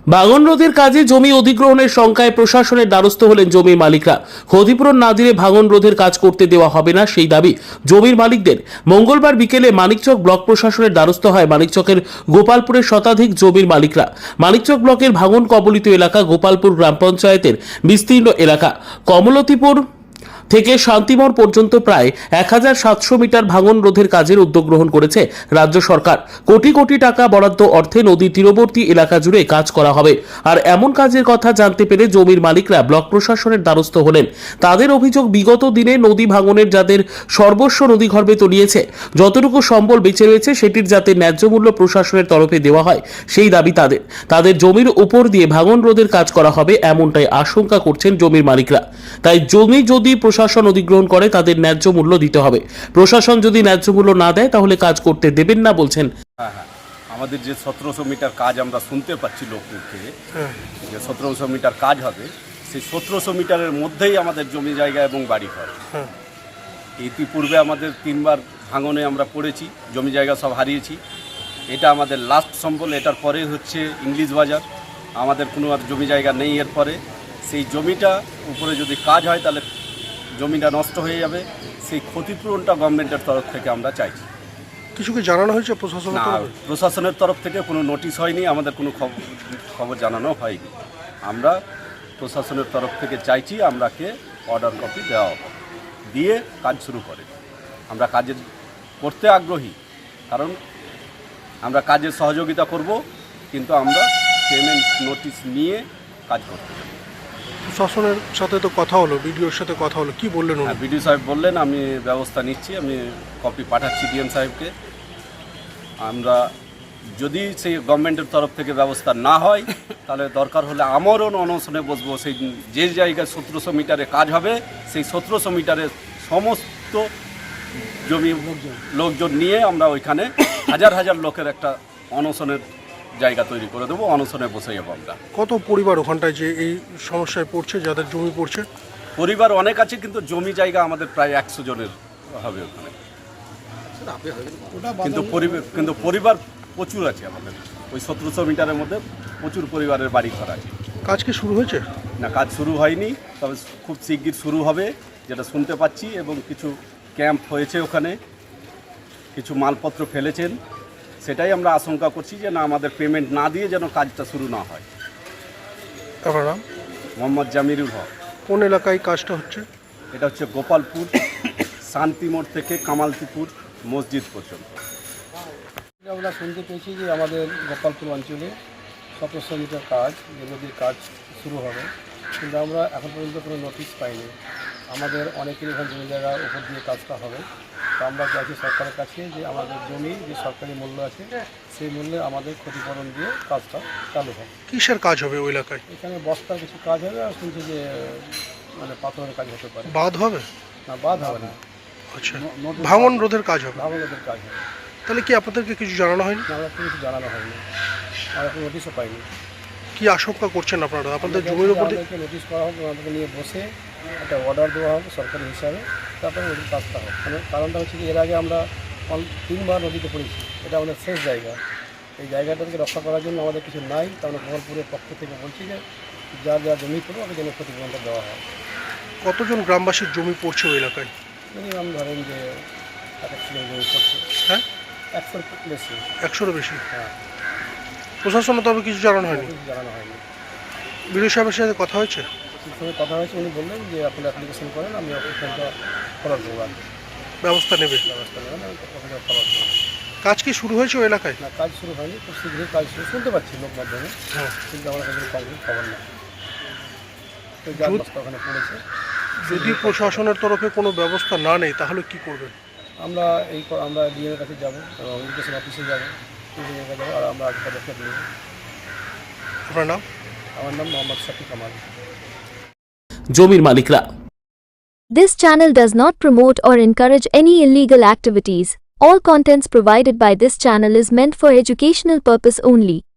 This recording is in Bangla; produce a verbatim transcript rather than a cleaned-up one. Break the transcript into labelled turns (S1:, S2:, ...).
S1: ভাঙন রোধের কাজে জমি অধিগ্রহণের শঙ্কায় প্রশাসনের দ্বারস্থ হলেন জমির মালিকরা। ক্ষতিপূরণ না দিলে ভাঙন রোধের কাজ করতে দেওয়া হবে না, সেই দাবি জমির মালিকদের। মঙ্গলবার বিকেলে মানিকচক ব্লক প্রশাসনের দ্বারস্থ হয় মানিকচকের গোপালপুরের শতাধিক জমির মালিকরা। মানিকচক ব্লকের ভাঙন কবলিত এলাকা গোপালপুর গ্রাম পঞ্চায়েতের বিস্তীর্ণ এলাকা। কমলতিপুর থেকে শান্তিমোড় পর্যন্ত প্রায় এক হাজার সাতশো মিটার ভাঙন রোধের কাজের উদ্যোগ গ্রহণ করেছে রাজ্য সরকার। কোটি কোটি টাকা বরাদ্দ অর্থে নদী তীরবর্তী এলাকা জুড়ে কাজ করা হবে। আর এমন কাজের কথা জানতে পেরে জমির মালিকরা ব্লক প্রশাসনের দ্বারস্থ হলেন। তাদের অভিযোগ, বিগত দিনে নদী ভাঙনের যাদের সর্বস্ব নদীগর্ভে তলিয়েছে, যতটুকু সম্বল বেঁচে রয়েছে সেটির যাতে ন্যায্য মূল্য প্রশাসনের তরফে দেওয়া হয়, সেই দাবি তাদের। তাদের জমির উপর দিয়ে ভাঙন রোধের কাজ করা হবে এমনটাই আশঙ্কা করছেন জমির মালিকরা। তাই জমি যদি প্রশাসন অধিগ্রহণ করে তাদের ন্যায্য মূল্য দিতে হবে। প্রশাসন যদি ন্যায্য মূল্য না দেয় তাহলে কাজ করতে দেবেন না বলছেন।
S2: হ্যাঁ হ্যাঁ আমাদের যে সতেরোশো মিটার কাজ আমরা শুনতে পাচ্ছি লোককে যে সতেরোশো মিটার কাজ হবে, সেই সতেরোশো মিটারের মধ্যেই আমাদের জমি জায়গা এবং বাড়ি ঘর। ইতিপূর্বে আমাদের তিনবার ভাঙনে আমরা পড়েছি, জমি জায়গা সব হারিয়েছি। এটা আমাদের লাস্ট সম্বল। এটার পরে হচ্ছে ইংলিশ বাজার, আমাদের কোনো আর জমি জায়গা নেই। এরপরে সেই জমিটা উপরে যদি কাজ হয় তাহলে জমিটা নষ্ট হয়ে যাবে। সেই ক্ষতিপূরণটা গভর্নমেন্টের তরফ থেকে আমরা চাইছি।
S3: কিছু কি জানানো হয়েছে প্রশাসনের
S2: না,
S3: তরফে?
S2: প্রশাসনের তরফ থেকে কোনো নোটিশ হয়নি, আমাদের কোনো খবর জানানো হয়নি। আমরা প্রশাসনের তরফ থেকে চাইছি আমরাকে অর্ডার কপি দেওয়া হবে, দিয়ে কাজ শুরু করে। আমরা কাজের করতে আগ্রহী, কারণ আমরা কাজের সহযোগিতা করব, কিন্তু আমরা পেমেন্ট নোটিশ নিয়ে কাজ করতে হবে।
S3: প্রশাসনের সাথে তো কথা হলো, বিডিওর সাথে কথা হলো, কি বললেন উনি?
S2: বিডিও সাহেব বললেন আমি ব্যবস্থা নিচ্ছি, আমি কপি পাঠাচ্ছি ডিএম সাহেবকে। আমরা যদি সেই গভর্নমেন্টের তরফ থেকে ব্যবস্থা না হয় তাহলে দরকার হলে আমারও অনশনে বসবো। সেই যে জায়গায় সতেরোশো মিটারে কাজ হবে সেই সতেরোশো মিটারের সমস্ত জমি লোকজন নিয়ে আমরা ওইখানে হাজার হাজার লোকের একটা অনশনের জায়গা তৈরি করে দেবো, অনশনে বসে যাবো আমরা।
S3: কত পরিবার ওখানটায় যে এই সমস্যায় পড়ছে, যাদের জমি পড়ছে?
S2: পরিবার অনেক আছে, কিন্তু জমি জায়গা আমাদের প্রায় একশো জনের হবে ওখানে। কিন্তু পরিবার কিন্তু পরিবার প্রচুর আছে আমাদের ওই সতেরোশো মিটারের মধ্যে, প্রচুর পরিবারের বাড়ি ঘর আছে।
S3: কাজ কি শুরু হয়েছে?
S2: না, কাজ শুরু হয়নি, তবে খুব শিগগির শুরু হবে যেটা শুনতে পাচ্ছি। এবং কিছু ক্যাম্প হয়েছে ওখানে, কিছু মালপত্র ফেলেছেন। সেটাই আমরা আশঙ্কা করছি যে না, আমাদের পেমেন্ট না দিয়ে যেন কাজটা শুরু না হয়।
S3: আপনার নাম?
S2: মোহাম্মদ জামিরুল হক।
S3: কোন এলাকায় কাজটা হচ্ছে?
S2: এটা হচ্ছে গোপালপুর, শান্তিমোড় থেকে কামালতিপুর মসজিদ পর্যন্ত।
S4: আমরা শুনতে পেয়েছি যে আমাদের গোপালপুর অঞ্চলে সতেরোশো মিটার কাজ, যে নদীর কাজ শুরু হবে, কিন্তু আমরা এখন পর্যন্ত কোনো নোটিশ পাইনি। আমাদের অনেকের এখানে জমি জায়গার উপর দিয়ে কাজটা হবে। তো আমরা চাইছি সরকারের কাছে যে আমাদের জমি যে সরকারি মূল্য আছে সেই মূল্যে আমাদের ক্ষতিপূরণ দিয়ে কাজটা চালু হবে।
S3: কিসের কাজ হবে ওই এলাকায়?
S4: এখানে বস্তার কিছু কাজ হবে, আর শুনছি যে মানে পাথরের কাজ হতে পারে।
S3: বাঁধ হবে?
S4: না, বাঁধ হবে না।
S3: আচ্ছা, ভাঙন রোধের কাজ হবে।
S4: ভাঙন রোধের কাজ হবে।
S3: তাহলে কি আপনাদেরকে কিছু জানানো হয়নি?
S4: আমরা কিছু জানানো হয়নি, আমরা কোনো নোটিশও পাইনি।
S3: কি আশঙ্কা করছেন আপনারা? আপনাদের জমির উপর
S4: আমাদেরকে নোটিশ করা হবে, আমাদেরকে নিয়ে বসে একটা অর্ডার দেওয়া হবে সরকারি হিসাবে, তারপরে নদীর কাজটা হবে। মানে কারণটা হচ্ছে কি, এর আগে আমরা তিনবার নদীতে পড়েছি, এটা আমাদের শেষ জায়গা। এই জায়গাটাকে রক্ষা করার জন্য আমাদের কিছু নাই, তা আমরা গোপালপুরের পক্ষ থেকে বলছি যে যার যা জমি পড়বে আমাদের যেন ক্ষতিপূরণটা দেওয়া হয়।
S3: কতজন গ্রামবাসীর জমি পড়ছে ওই এলাকায়?
S4: মিনিমাম ধরেন যে এক একশো জমি পড়ছে।
S3: হ্যাঁ,
S4: একশোর বেশি।
S3: একশোরও বেশি?
S4: হ্যাঁ।
S3: প্রশাসনের তবে কিছু জানানো হয়নি?
S4: কিছু জানানো হয়নি।
S3: বিডিও সাহেবের সাথে কথা হয়েছে?
S4: সঙ্গে কথা হয়েছে, উনি বললেন যে আপনারা অ্যাপ্লিকেশন করেন, আমি অফিসটা ফরওয়ার্ড করব,
S3: ব্যবস্থা নেবে।
S4: ব্যবস্থা নেবেন, আমি অফিসে ফরওয়ার্ড করব।
S3: কাজ কি শুরু হয়েছে ওই এলাকায়?
S4: না, কাজ শুরু হয়নি, খুব শীঘ্রই কাজ শুরু শুনতে পাচ্ছি লোক মাধ্যমে,
S3: হ্যাঁ,
S4: কিন্তু আমরা কোনো কমপ্লিট খবর না। তো যার বস্তা ওখানে পড়েছে।
S3: যদি প্রশাসনের তরফে কোনো ব্যবস্থা না নেই তাহলে কি করবেন?
S4: আমরা এই আমরা ডিএমের কাছে যাবো, ইরিগেশন অফিসে যাবো, ইঞ্জিনিয়ারের কাছে যাবো, আর আমরা আগে পদক্ষেপ নেব।
S3: আপনার নাম?
S4: আমার নাম মোহাম্মদ শাফি কামাল।
S1: জমির মালিকরা।
S5: This channel does not promote or encourage any illegal activities. All contents provided by this channel is meant for educational purpose only.